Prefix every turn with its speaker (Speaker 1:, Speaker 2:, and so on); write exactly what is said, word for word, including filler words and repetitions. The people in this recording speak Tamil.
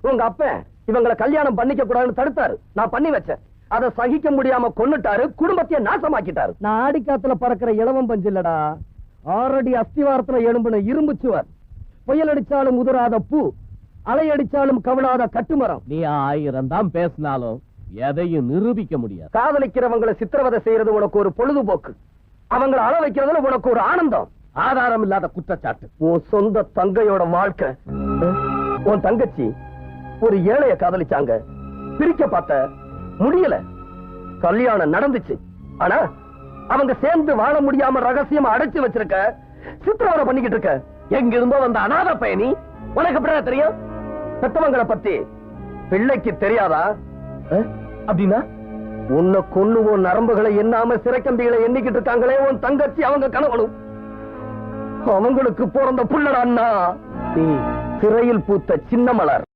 Speaker 1: உங்க அப்பன் இவங்களை கல்யாணம் பண்ணிக்க கூடாதுன்னு தடுத்தாரு. நான் பண்ணி வச்சேன். அதை சகிக்க முடியாம கொன்னுட்டாரு. குடும்பத்தையே நாசமாக்கிட்டாரு. நான் ஆடிக்காத்துல பறக்கிற இளவம் பஞ்சு இல்லடா, ஆறடி அஸ்திவாரத்துல எழும்புன இரும்பு சுவர். புயல் அடிச்சாலும் உதிராத பூ, அலை அடிச்சாலும் கவிழாத கட்டுமரம்.
Speaker 2: நீ ஆயிரம் தான் பேசினாலும் எதையும் நிரூபிக்க முடியாது.
Speaker 1: காதலிக்கிறவங்களை சித்திரவதை செய்யறது உனக்கு ஒரு பொழுதுபோக்கு, அவங்களை அள வைக்கிறதுல உனக்கு ஒரு ஆனந்தம்.
Speaker 2: ஆதாரம் இல்லாத குற்றச்சாட்டு.
Speaker 1: உன் சொந்த தங்கையோட வாழ்க்கை. உன் தங்கச்சி ஒரு ஏழைய காதலிச்சாங்க, பிரிக்க பார்த்த முடியல. கல்யாணம் நடந்துச்சு, ஆனா அவங்க சேர்ந்து வாழ முடியாம ரகசியமா அடைச்சு வச்சிருக்க, சித்திரவதை பண்ணிக்கிட்டு இருக்க. எங்க இருந்தோ வந்த அநாத பயணி, உனக்கு எப்படியா தெரியும்? பெத்தவங்களை பத்தி பிள்ளைக்கு தெரியாதா? அப்படின்னா உன்னை கொன்னுவோம் நரம்புகளை எண்ணாம சிறைக்கம்பிகளை எண்ணிக்கிட்டு இருக்காங்களே உன் தங்கச்சி, அவங்க கணவனும். அவங்களுக்கு பிறந்த புள்ளடா அண்ணா, சிறையில் பூத்த சின்ன மலர்.